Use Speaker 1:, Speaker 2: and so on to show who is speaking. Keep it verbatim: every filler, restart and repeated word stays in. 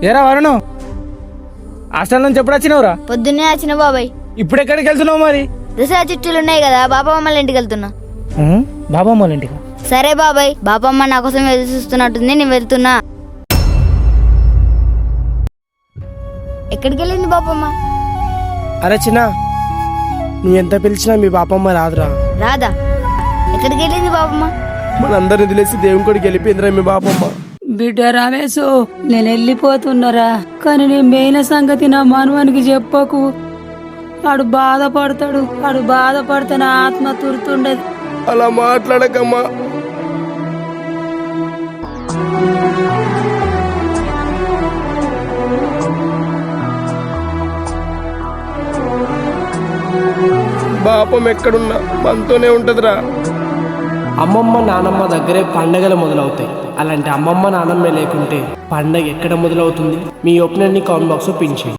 Speaker 1: ఏరా వరుణు, హాస్టల్ నుంచి ఎప్పుడు వచ్చినావురా?
Speaker 2: పొద్దున్నే వచ్చిన బాబాయ్.
Speaker 1: ఇప్పుడు ఎక్కడికి వెళ్తున్నావు మరి?
Speaker 2: దసరా చుట్టూలు ఉన్నాయి కదా, బాబమ్మ వాళ్ళ ఇంటికి వెళ్తున్నా.
Speaker 1: బాబామ్మ వాళ్ళ ఇంటికి?
Speaker 2: సరే బాబాయ్, బాబమ్మ నా కోసం ఎదురు చూస్తున్నట్టుంది, నేను వెళ్తున్నా. ఎక్కడికి వెళ్ళింది బాబమ్మ?
Speaker 3: అరే చిన్న, నువ్వు ఎంత పిలిచినా మీ బాపమ్మ రాదురా.
Speaker 2: రాదా? ఎక్కడికి వెళ్ళింది బాబమ్మ?
Speaker 3: మనందరిని వదిలేసి దేవుని కొడికి వెళ్ళిపోయిందిరా మీ బాపమ్మ.
Speaker 4: బిడ్డ రమేశు, నేను వెళ్ళిపోతున్నారా, కానీ నీ మెయిన్ సంగతి నా మనవానికి చెప్పకు. వాడు బాధపడతాడు, వాడు బాధపడితే నా ఆత్మ తురుతుండదు.
Speaker 3: అలా మాట్లాడకమ్మా. బాపం ఎక్కడున్నా మనతోనే ఉంటదిరా. అమ్మమ్మ నానమ్మ దగ్గరే పండగలు మొదలవుతాయి. అలాంటి అమ్మమ్మ నానమ్మ లేకుంటే పండగ ఎక్కడ మొదలవుతుంది? మీ ఒపీనియన్ని కామెంట్ బాక్స్లో పిన్ చేయండి.